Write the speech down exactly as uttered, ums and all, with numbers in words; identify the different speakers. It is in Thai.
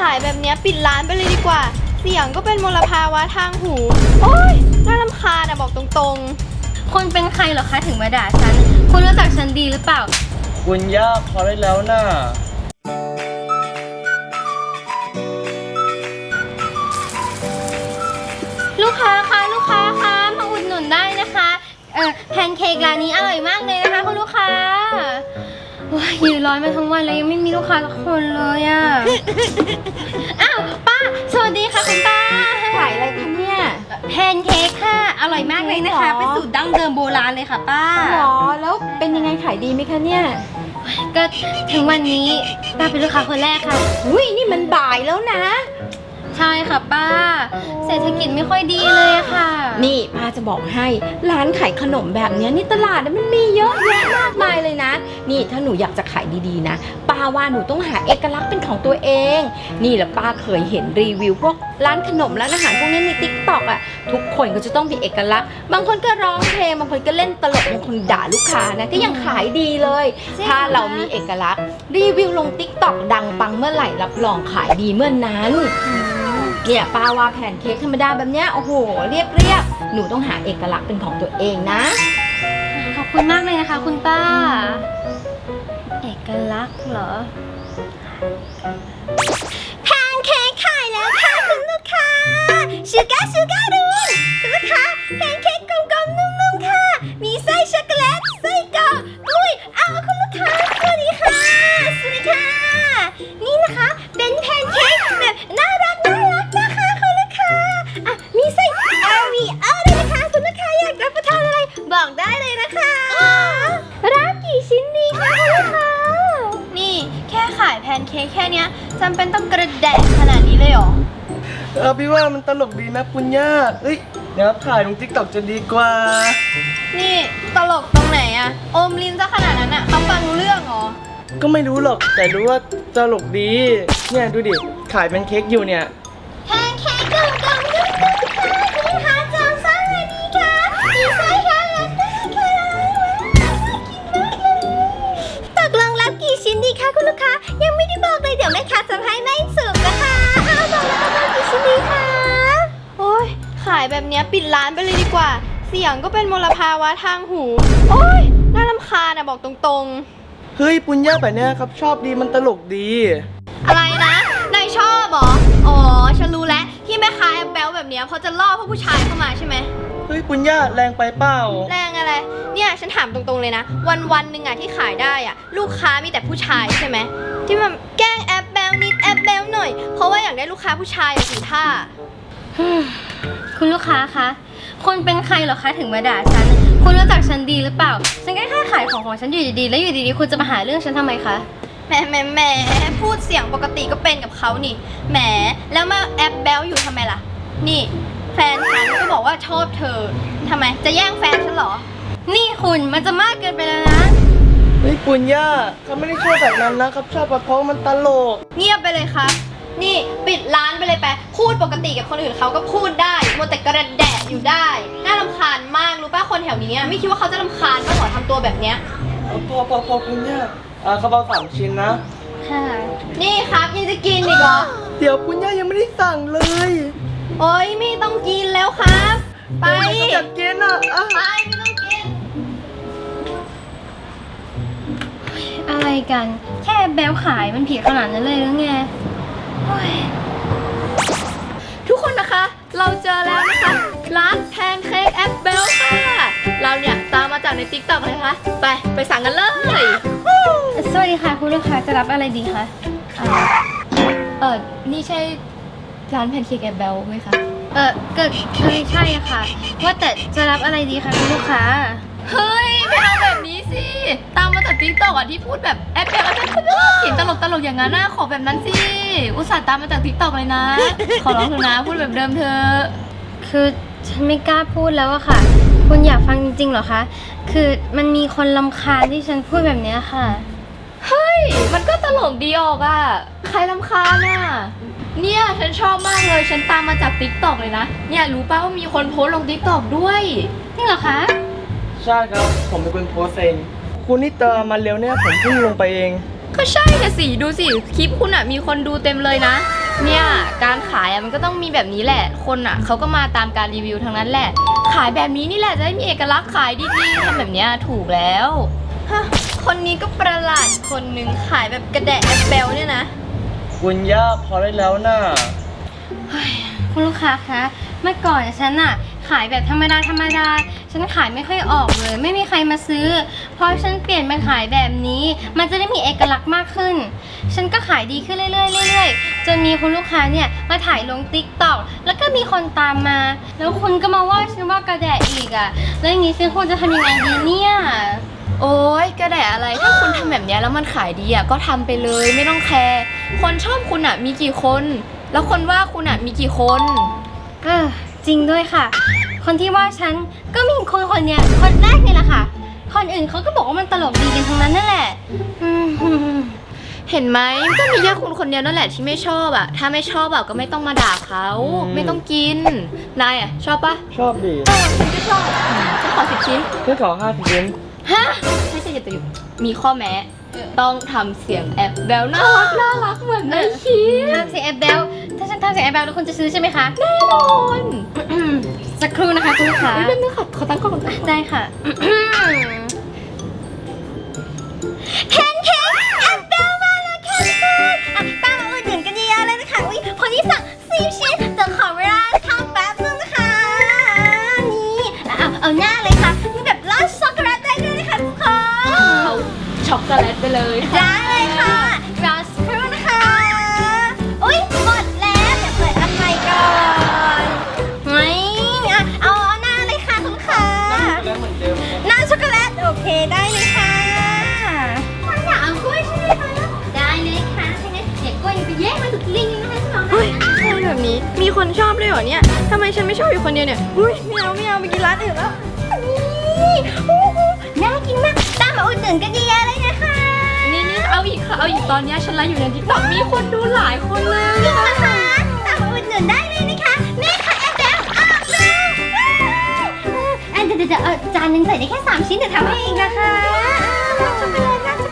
Speaker 1: ายแบบนี้ปิดร้านไปเลยดีกว่าเสียงก็เป็นมลภาวะทางหูโอ๊ยน่ารำคาญอะบอกตรงๆ
Speaker 2: คุณเป็นใครเหรอคะถึงมาด่าฉันคุณรู้จักฉันดีหรือเปล่า
Speaker 3: คุณย่าพอได้แล้วน่ะ
Speaker 2: ลูกค้าคะลูกค้าคะมาอุดหนุนได้นะคะเออแพนเค้กร้านนี้อร่อยมากเลยนะคะคุณลูกค้ายืนร้อนมาทั้งวันแล้วยังไม่มีลูกค้าสักคนเลยอ่ะ อ้าวป้าสวัสดีค่ะคุณป้า
Speaker 4: ขายอะไรคะเนี่ย
Speaker 2: แพนเค้กค่ะอร่อยมากเลยนะคะเป็นสูตรดั้งเดิมโบราณเลยค่ะป้า
Speaker 4: หรอแล้วเป็นยังไงขายดีไหมคะเนี่ย
Speaker 2: ก็ถึงวันนี้ป้าเป็นลูกค้าคนแรกค่ะ
Speaker 4: อุ้ยนี่มันบ่ายแล้วนะ
Speaker 2: ใช่ค่ะป้าเศรษฐกิจไม่ค่อยดีเลยค่ะ
Speaker 4: นี่ป้าจะบอกให้ร้านขายขนมแบบนี้นี่ตลาดมันมีเยอะแยะมากมายเลยนะนี่ถ้าหนูอยากจะขายดีๆนะป้าว่าหนูต้องหาเอกลักษณ์เป็นของตัวเองนี่แหละป้าเคยเห็นรีวิวพวกร้านขนมร้านอาหารพวกนี้ใน ติ๊กต็อก อ่ะทุกคนก็จะต้องมีเอกลักษณ์บางคนก็ร้องเพลงบางคนก็เล่นตลกบางคนด่าลูกค้านะก็ยังขายดีเลยถ้าเรามีเอกลักษณ์รีวิวลง ติ๊กต็อก ดังปังเมื่อไหร่รับรองขายดีเมื่อนนั้นเนี่ยป้าว่าแผ่นเค้กธรรมดาแบบเนี้ยโอ้โหเรียบเรียบหนูต้องหาเอกลักษณ์เป็นของตัวเองนะ
Speaker 2: ขอบคุณมากเลยนะคะคุณป้าเอกลักษณ์เหรอแพนเค้กขายแล้วค่ะคุณลูกค้าชูการ์ชูการ์ดูนคุณลูกค้าแพนเค้กกลมๆนุ่มๆค่ะมีไส้ช็อกโกแลตไส้กรอกกล้วยเอาคุณลูกค้าสวัสดีค่ะสวัสดีค่ะนี่นะคะเป็นแพนเค้กแบบน่ารักน่ารักนะคะคุณลูกค้าอ่ะมีไส้โอรีโอด้วยนะคะคุณลูกค้าอยากรับประทานอะไรบอกได้เลยนะคะรับกี่ชิ้นดีคะคุณลูกค้านี่แค่ขายแพนเค้กแค่เนี้ยจำเป็นต้องกระแดะขนาดนี้เลยเหรอ
Speaker 3: เออพี่ว่ามันตลกดีนะคุณย่าเอ้ยเดี๋ยวถ่ายลง ติ๊กต็อก จะดีกว่า
Speaker 1: นี่ตลกตรงไหนอะอมลิ้นซะขนาดนั้นอะเขาฟังรู้เรื่องเหรอ
Speaker 3: ก็ไม่รู้หรอกแต่รู้ว่าตลกดีเนี่ยดูดิขายเป็นเค้กอยู่เนี่ย
Speaker 2: แพนเค้กกลมๆนุ่มๆค่ะคุณคะจำซ่าเลยดีค่ะมีไส้ค่ะและไส้ค่ะตกลงรับกี่ชิ้นดีคะคุณลูกค้ายังไม่ได้บอกเลยเดี๋ยวแม่ค้าจะให้ไม่สุกนะคะเอาบอกแล้วรับกี่ชิ้นดีคะ
Speaker 1: โอ๊ยขายแบบนี้ปิดร้านไปเลยดีกว่าเสียงก็เป็นมลภาวะทางหูโอ๊ยน่ารำคาญอะบอกตรงๆ
Speaker 3: เฮ้ยปุญญาแบบเนี้ยครับชอบดีมันตลกดี
Speaker 1: อะไรนะนายชอบเหรออ๋อฉันรู้แล้วที่แม่ค้าแอบแบลแบบเนี้ยเพราะจะล่อพวกผู้ชายเข้ามาใช่ไหม
Speaker 3: เฮ้ยปุญญาแรงไปเปล่า
Speaker 1: แรงอะไรเนี่ยฉันถามตรงๆเลยนะวันวันหนึ่งอะที่ขายได้อะลูกค้ามีแต่ผู้ชายใช่ไหมที่มันแกล้งแอบแบลนิดแอบแบลหน่อยเพราะว่าอยากได้ลูกค้าผู้ชายอย่างท่า
Speaker 2: คุณลูกค้าคะคุณเป็นใครเหรอคะถึงมาด่าฉันคุณรู้จักฉันดีหรือเปล่าฉันแค่แค่ขายของของฉันอยู่ดีๆแล้วอยู่ดีๆคุณจะมาหาเรื่องฉันทำไมคะ
Speaker 1: แหมแหมแหมพูดเสียงปกติก็เป็นกับเขานี่แหมแล้วมาแอบแบลอยู่ทำไมล่ะนี่แฟนฉันก็บอกว่าชอบเธอทำไมจะแย่งแฟนฉันเหรอ
Speaker 2: นี่คุณมันจะมากเกินไปแล้วนะ
Speaker 3: เฮ้ยปุญญาเขาไม่ได้ชอบแบบนั้นนะครับชอบเพราะมันตลก
Speaker 1: เงียบไปเลยครับนี่ปิดร้านไปเลยไปพูดปกติกับคนอื่นเขาก็พูดได้มัวแต่กระแดะอยู่ได้น่ารำคาญมากรู้ป่ะคนแถวนี้ไม่คิดว่าเขาจะรำคาญบ้างเหรอทำตัวแบบเนี้ย
Speaker 3: พอพอพอปุญญาอ่าเขาเอาสามชิ้นนะ
Speaker 2: ค่ะ
Speaker 1: นี่ครับยังจะกินอีกเหรอ
Speaker 3: เดี๋ยวปุญญายังไม่ได้สั่งเลย
Speaker 1: โอ๊ยไม่ต้องกินแล้วครับไป
Speaker 3: อยากกินอ่ะ
Speaker 1: ไปไม่ต้องกิน
Speaker 2: อะไรกันแค่แบลขายมันผิดขนาดนั้นเลยหรือไง
Speaker 1: ทุกคนนะคะเราเจอแล้วนะคะร้านแพนเค้กแอปเบลค่ะเราเนี่ยตามมาจากใน ติ๊กต็อก เลยค่ะไปไปสั่งกันเลย
Speaker 2: สวัสดีค่ะคุณลูกค้าจะรับอะไรดีคะ
Speaker 1: เออนี่ใช่ร้านแพนเค้กแอปเบลไหมคะ
Speaker 2: เออเกิดใช่ใช่ค่ะว่าแต่จะรับอะไรดีคะคุณลูกค้า
Speaker 1: เฮ้ยไม่เอาแบบนี้สิตามมาจาก ติ๊กต็อก อ่ะที่พูดแบบแอปเบลแอปเบลเสียงตลกตลกอย่างนั้นน่ะขอแบบนั้นสิอุตส่าห์ตามมาจาก ติ๊กต็อก เลยนะขอร้องเถอะนะพูดแบบเดิมเธอ
Speaker 2: คือฉันไม่กล้าพูดแล้วอะค่ะคุณอยากฟังจริงๆเหรอคะคือมันมีคนรำคาญที่ฉันพูดแบบนี้ค่ะ
Speaker 1: เฮ้ยมันก็ตลกดีออกอะใครรำคาญน่ะเนี่ยฉันชอบมากเลยฉันตามมาจาก ติ๊กต็อก เลยนะเนี่ยรู้ป่ะว่ามีคนโพสต์ลง ติ๊กต็อก ด้วย
Speaker 2: จริงเหรอคะ
Speaker 3: ใช่ครับผมเป็นคนโพสเองคุณนี่เติมมาเร็วเนี่ยผมเพิ่งลงไปเอง
Speaker 1: ก็ใช่นะสิดูสิคลิปคุณอะมีคนดูเต็มเลยนะเนี่ยการขายอะมันก็ต้องมีแบบนี้แหละ คนอะเขาก็มาตามการรีวิวทั้งนั้นแหละ ขายแบบนี้นี่แหละจะได้มีเอกลักษณ์ขายดีๆทำแบบเนี้ยถูกแล้วฮะคนนี้ก็ประหลาดคนหนึ่งขายแบบกระแดะแอปเปิลเนี่ยนะ
Speaker 3: คุณย่าพอได้แล้วน่ะ
Speaker 2: คุณลูกค้าคะ เมื่อก่อนฉันอะขายแบบธรรมดาธรรมดา ฉันขายไม่ค่อยออกเลย ไม่มีใครมาซื้อ พอฉันเปลี่ยนมาขายแบบนี้ มันจะได้มีเอกลักษณ์มากขึ้น ฉันก็ขายดีขึ้นเรื่อยๆเรื่อยๆจนมีคุณลูกค้าเนี่ยมาถ่ายลงติ๊กต็อกแล้วก็มีคนตามมา แล้วคุณก็มาว่าฉันว่ากระแดะอีกอะแล้วอย่างนี้ฉันควรจะทำยังไงดีเนี่ย
Speaker 1: โอ๊ยกระแดะอะไรถ้าคุณทำแบบเนี้ยแล้วมันขายดีอะก็ทำไปเลยไม่ต้องแคร์คนชอบคุณอะมีกี่คน แล้วคนว่าคุณอะมีกี่คน
Speaker 2: เออจริงด้วยค่ะ คนที่ว่าฉันก็มีคนคนเนี้ยคนแรกนี่แหละค่ะ คนอื่นเขาก็บอกว่ามันตลกดีกันทั้งนั้นนั่นแหละอืม
Speaker 1: เห็นไหมก็มีแค่คุณคนเดียวนั่นแหละที่ไม่ชอบอะถ้าไม่ชอบอะก็ไม่ต้องมาด่าเขา
Speaker 3: อืม
Speaker 1: ไม่ต้องกินนายอะชอบปะ
Speaker 3: ชอบดิ
Speaker 1: เออฉันก็ชอบฉันขอสิบชิ้น
Speaker 3: แค่ขอห้าสิบชิ้น
Speaker 1: ฮะไม่ใช่จะติดมีข้อแม้ต้องทำเสียงแอบแบลน่ารักน่ารักเหมือนในคลิป
Speaker 2: ทำเสียงแอบเบลถ้าฉันทำเสียงแอบเบลแล้วคุณจะซื้อใช่ไหมคะ
Speaker 1: แน่นอน
Speaker 2: สักครู่นะคะคุณลูกค้า
Speaker 1: เฮ้ยเป็นนึงค่ะขอตั้งกล้องก่อน
Speaker 2: ได้ค่ะแคนเค้กแอบเบลมาแล้วค่ะทุกคนอ่ะตามมาอุดหนุนกันเยอะๆเลยนะคะอุ้ยคนที่สั่งสิบชิ้นจะขอเวลาทำแป๊บนึงนะคะนี่เอาเอาหน้าเลยค่ะมีแบบราดช็อกโกแลตได้ด้วยนะคะทุกคน
Speaker 1: เอาช็อกโกแลตไปเลยค่ะ
Speaker 2: ได้เลยค่ะรอสักครู่นะคะ อุ้ยหมดแล้วเดี๋ยวเปิดอันใหม่ก่อนไม่อ่ะเอาเอาหน้าเลยค่ะคุณลูกค้า
Speaker 3: แล้วเหมือนเดิม
Speaker 2: หน้าช็อกโกแลตโอเคได้เลยค่ะคุณอยากเอากล้วยใช่ไหมคะได้เลยค่ะถ้างั้นเดี๋ยวกล้วยไปแยกมาถูกลิงนะคะคุณน้อง
Speaker 1: เฮ้ยคนแบบนี้มีคนชอบด้วยเหรอเนี่ยทำไมฉันไม่ชอบอยู่คนเดียวเนี่ยอุ้ยไม่เอาไม่เอาไปกินร้านอื่นแล้ว
Speaker 2: นี่โอ้โหน่ากินมากตามมาอุดหนุนกันเยอะๆเลยนะคะ
Speaker 1: นี่นี่เอาอีกค่ะเอาอีกตอนเนี้ยฉันไลฟ์อยู่ในทิกตอกมีคนดูหลายคนเลย
Speaker 2: จริงนะคะตามมาอุดหนุนได้เลยนะคะแม่ค่ะแอนแบลออกแล้วแอนเดี๋ยวเดี๋ยวเออจานหนึงใส่ได้แค่สามชิ้นเดี๋ยวทำให้เองนะคะช็อกโกแลตน่าจะ